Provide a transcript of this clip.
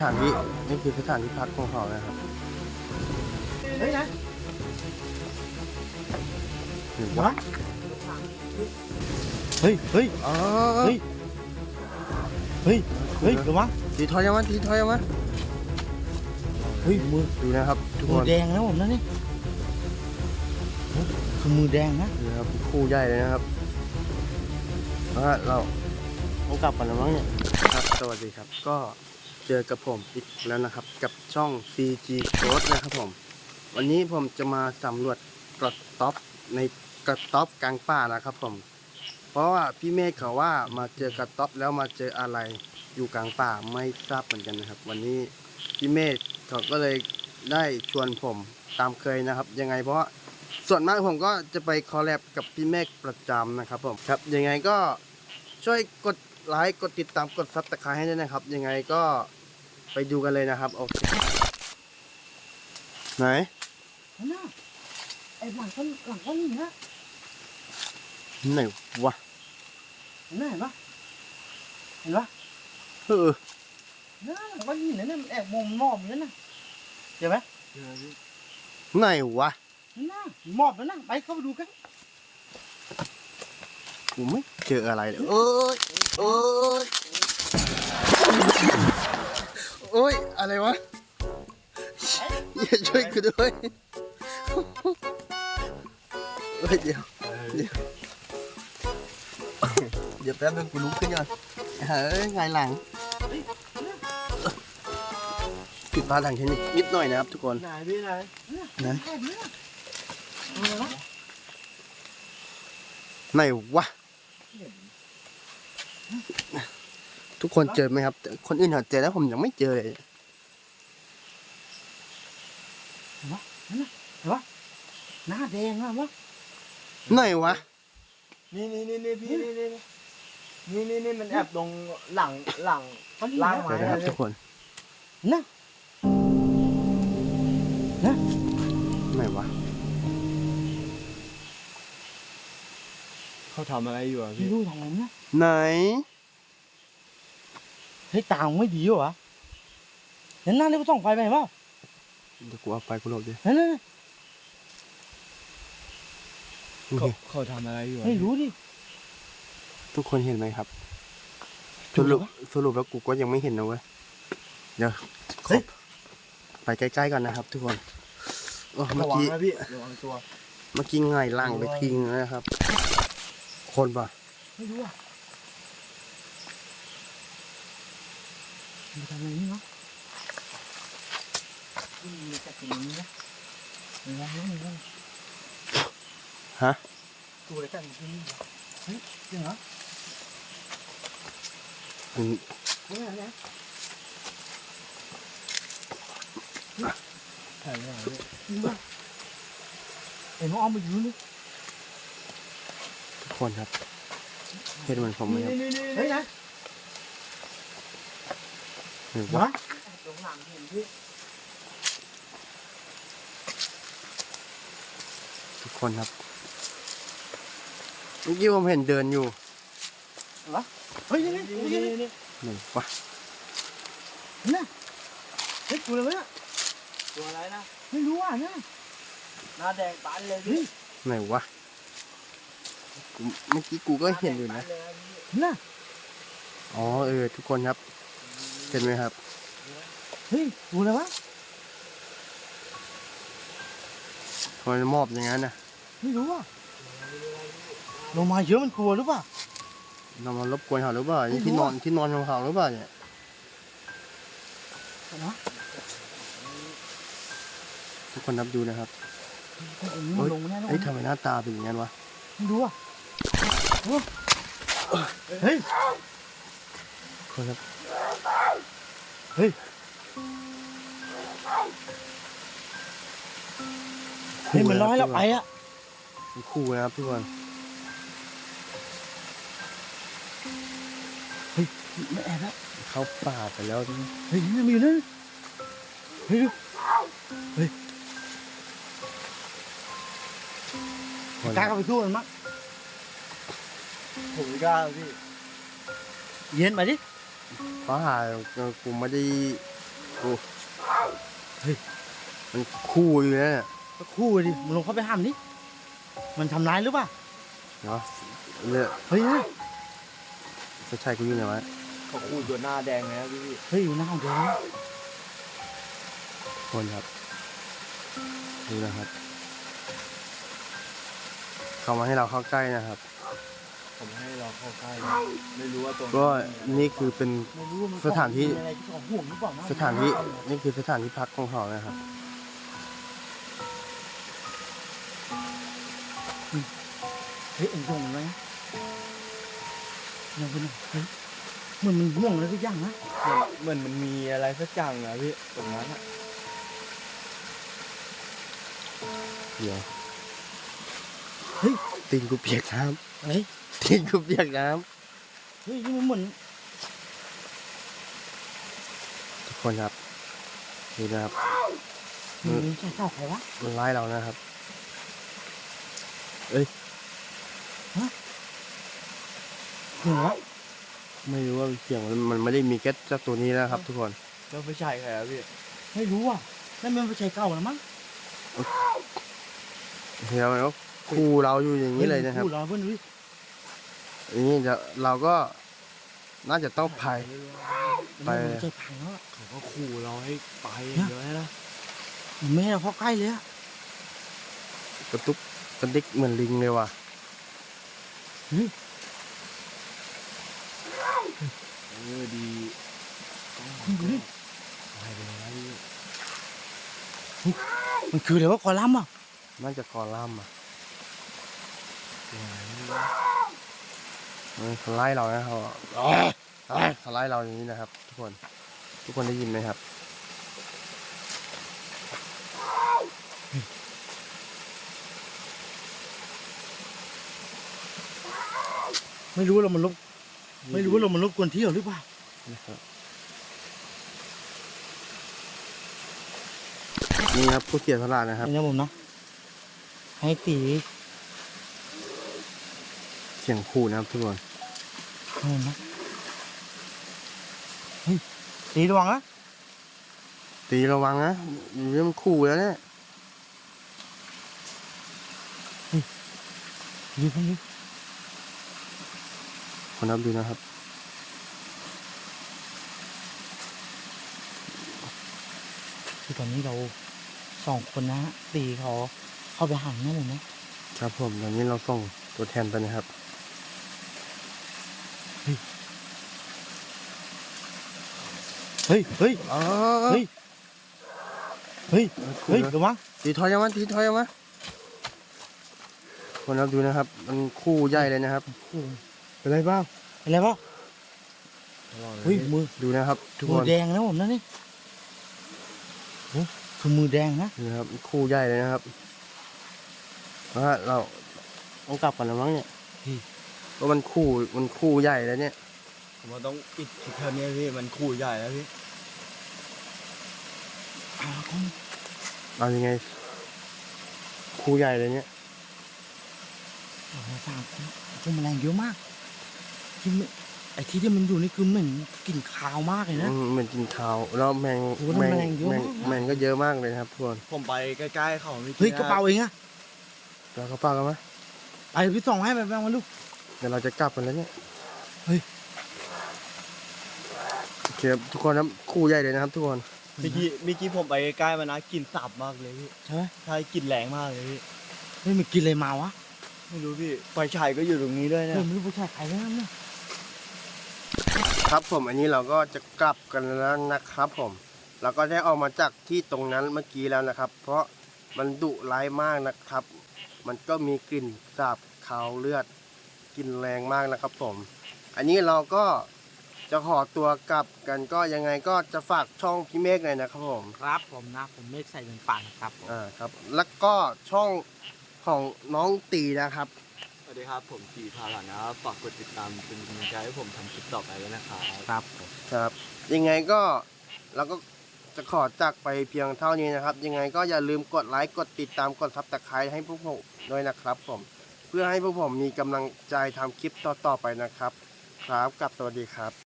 สถานที่นี่คือสถานที่พักของเขานะครับเฮ้ยนะหรือวะเฮ้ยเฮ้ยอ๋อเฮ้ยเฮ้ยเฮ้ยระวังตีถอยยังวะตีถอยยังวะเฮ้ยมือดูนะครับทุกคมือน แดงนะผมนะนี่คือมือแดงนะนี่นะครับคู่ใหญ่เลยนะครับเราต้องกลับกันแล้วมั้งเนี่ยครับสวัสดีครับก็เจอกับผมอีกแล้วนะครับกับช่อง CG Code นะครับผมวันนี้ผมจะมาสำรวจกระต๊อบในกระต๊อบกลางป่านะครับผมเพราะว่าพี่เมฆเขาว่ามาเจอกระต๊อบแล้วมาเจออะไรอยู่กลางป่าไม่ทราบเหมือนกันนะครับวันนี้พี่เมฆเขาก็เลยได้ชวนผมตามเคยนะครับยังไงเพราะส่วนมากผมก็จะไปคอลแลบกับพี่เมฆประจำนะครับผมครับยังไงก็ช่วยกดไลค์กดติดตามกดซับสไครต์ให้ด้วยนะครับยังไงก็ไปดูกันเลยนะครับโอเคไหนน่ะไอ้หลังต้นนี่นะไหนวะเห็นปะเห็นปะน่ะหลังต้นนี่เนี่ยมันแอบมองมอบอยู่นั่นน่ะเห็นไหมไหนวะน่ะมอบแล้วนะไปเข้าไปดูกันกูไม่เจออะไรเลยโอ้ยโอ้ยอะไรวะอย่าช่วยกูด้วยเดี๋ยวแป๊บนึงกูลุกขึ้นก่อนเฮ้ยไงหลังผิดพลาดทางเทคนิคนิดหน่อยนะครับทุกคนไหนพี่ไหนนะไหนวะทุกคนเจอไหมครับคนอื่นเขาเจอแล้วผมยังไม่เจอเลยเห็นปะหน้าแดงอะวะไหนวะนี่พี่นี่มันแอบตรงหลังล่างไม้นะครับทุกคนนะไหนวะเขาทำอะไรอยู่อ่ะพี่พี่รู้ทำไมนะไหนเฮ้ยตาไม่ดีวะเห็นหน้านี่ก็ส่องไฟไปเห็นเปล่าเดี๋ยวกูเอาไปกูหลบดินั่นเขาทำอะไรอยู่ไม่รู้ดิทุกคนเห็นไหมครับสรุปแล้วกูก็ยังไม่เห็นนะเว้ยเดี๋ยวไปใกล้ๆก่อนนะครับทุกคนเมื่อกี้พี่ระวังตัวเมื่อกี้ไงล่างไปทิ้งนะครับคนป่ะไม่รู้อ่ะมันทำอะไรนี่เนาะมีแต่ตรงนี้นะมีอะไรฮะตัวอะไรกันที่นี่เฮ้ยจริงเหรอเนี่ยถ่ายอะไรไอ้น้องอ้อมไปยืนเลยทุกคนครับเห็นเหมือนผมไหมครับเฮ้ยนะเห็นปะตรงหลังเห็นพี่ทุกคนครับเมื่อกี้ผมเห็นเดินอยู่วะเฮ้ยนี่ไหนวะน่ะเฮ้ยตัวอะไรวะตัวอะไรนะไม่รู้อ่ะนะหน้าแดงปานเลยพี่ไหนวะเมื่อกี้กูก็เห็นอยู่นะน่ะอ๋อทุกคนครับเห็นไหมครับเฮ้ยตัวอะไรวะทำไมมอบอย่างนั้นนะไม่รู้อ่ะลงมาเยอะมันกลัวหรือเปล่าเรามารบกวนเขาหรือเปล่าที่นอนของเขาหรือเปล่าเนี่ยทุกคนนับดูนะครับเฮ้ยทำไมหน้าตาเป็นอย่างนั้นวะไม่รู้อ่ะเฮ้ยคนครับเฮ้ยมันร้อยแล้วไปอ่ะคู่นะครับทุกคนเฮ้ยไม่แอบแล้วเข้าป่าไปแล้วเฮ้ยนี่มีนั่นเฮ้ยกล้าเข้าไปสู้มันมั้งผมไม่กล้าพี่เย็นไปดิเพราะหากูไม่ได้โอ้เฮ้ยมันคู่อยู่นะเนี่ยก็คู่ดิมึงลงเข้าไปห้ามดิมันทำร้ายหรือเปล่าเนาะเนี่ยเฮ้ยไม่ใช่กูอยู่ไหนวะเขาคู่ตัวหน้าแดงเลยนะพี่เฮ้ยหน้าแดงคนครับดูนะครับ เขามาให้เราเข้าใกล้นะครับผมให้เราเข้าใกล้ไม่รู้ว่าตรงก็นี่คือเป็นไม่รู้ว่ามันสถานที่มีอะไรที่เขาห่วงหรือเปล่านะสถานที่นี่คือสถานที่พักของเขานะครับเฮ้ยเอ็งส่งมันไว้นะยังเป็นเฮ้ยเหมือนมันห่วงอะไรสักอย่างนะเหมือนมันมีอะไรสักอย่างอะพี่ตรงนั้นอะเดี๋ยวเฮ้ยตีนกูเปียกน้เฮ้ยำตีนกูเปียกน้เฮ้ยนี่มันเหมือนำทุกคนครับดูนะครับมันใช่ข้าวใครวะมันไล่เรานะครับหัวไม่รู้ว่าเสียงมันไม่ได้มีแค่เจ้าตัวนี้นะครับ ทุกคนแล้วไม่ใช่ใครอะพี่ไม่รู้อ่ะนั่นมันไม่ใช่เก่าแล้วมั้งเดี๋ยวมันก็คู่เราอยู่อย่างนี้เลยนะครับพูดเราเพื่อนดูดิอย่างนี้เราก็น่าจะต้องพาย ไปมันใจพังแล้วอะเขาก็ขู่เราให้ไปเดี๋ยวนะมันไม่ให้เราเข้าใกล้เลยอะกระตุกกระดิกเหมือนลิงเลยว่ะดีดูดิไปไปแล้วมันคืออะไรวะคอลัมน์อ่ะน่าจะคอล่ามอ่ะเขาไล่เรานะครับเขาไล่เราอย่างนี้นะครับ ทุกคนได้ยินไหมครับไม่รู้ว่าเรามันรบกวนเที่ยวหรือเปล่านะครับนี่ครับผู้เสียสละนะครับนี่นะผมนะให้ตีเสียงขู่นะครับทุกคนนี่นะเฮ้ยตีระวังนะตีระวังนะเรื่องขู่แล้วเนี่ยดูเพิ่งดูคนนับดูนะครับคือตอนนี้เรา2 คนนะตีเขาเข้าไปหันนะผมนะครับผมตอนนี้เราส่งตัวแทนไปนะครับเฮ้ยเฮ้ยอ๋อเฮ้ยเฮ้ยขู่เฮ้ยแล้วระวังตีถอยยังมาตีถอยยังมาคนนับดูนะครับ มันคู่ใหญ่เลยนะครับโอ้โหเป็นไรบ้างอะไรวะเฮ้ยมือดูนะครับ ทุกมืคอน แดงนะผมนะนี่โอ้คือมือแดงนะนี่นะครับคู่ใหญ่เลยนะครับเพราะว่าเราต้องกลับกันแล้วมั้งเนี่ยเพราะมันคู่ใหญ่แล้วเนี่ยผมว่าต้องปิดคลิปเท่านี้พี่มันขู่ใหญ่แล้วพี่อ้าวก็เอายังไงคู่ใหญ่เลยเนี่ยโอ้โห3 คนพวกแมลงเยอะมากที่มันไอ้ที่ที่มันอยู่นี่คือเหม็นกลิ่นคาวมากเลยนะเหมือนกินข้าวแล้วแมงโอ้โหแมลงเยอะมากนะแมงก็เยอะมากเลยนะครับทุกคนผมไปใกล้ๆเขาไม่เฮ้ยกระเป๋าเองอะเราเขาปากกันไหมไอ้พี่ส่องให้ไปบ้างมาลูกเดี๋ยวเราจะกลับกันแล้วเนี่ยเฮ้ยโอเคครับทุกคนครับคู่ใหญ่เลยนะครับ ทุกคนเมื่อกี้ผมไปใกล้ๆมานะกลิ่นสาบมากเลยพี่ใช่ไหมใช่กลิ่นแรงมากเลยพี่เฮ้ยมันกินอะไรมาวะไม่รู้พี่ไฟฉายก็อยู่ตรงนี้ด้วยเฮ้เนี่ย ยไม่รู้ไปใช่ใครแล้วเนี่ยครับผมอันนี้เราก็จะกลับกันแล้วนะครับ ผมเราก็ได้ออกมาจากที่ตรงนั้นเมื่อกี้แล้วนะครับ เพราะมันดุร้ายมากนะครับ มันก็มีกลิ่นสาบคาวเลือดกลิ่นแรงมากนะครับ ผม อันนี้เราก็จะขอตัวกลับกันก็ยังไงก็จะฝากช่องพี่เมฆหน่อยนะครับผมครับผมนะผมเมฆใส่เป็นป่านครับผมครับ แล้วก็ช่องของน้องตีนะครับสวัสดีครับผมจีพาหลานนะครับฝากกดติดตามเป็นกำลังใจให้ผมทำคลิปต่อไปด้วยนะครับครับผมครับ ยังไงก็เราก็จะขอจากไปเพียงเท่านี้นะครับ ยังไงก็อย่าลืมกดไลค์กดติดตามกดซับสไครต์ให้พวกผมด้วยนะครับ ผมเพื่อให้พวกผมมีกำลังใจทำคลิปต่อๆไปนะครับ ครับกับสวัสดีครับ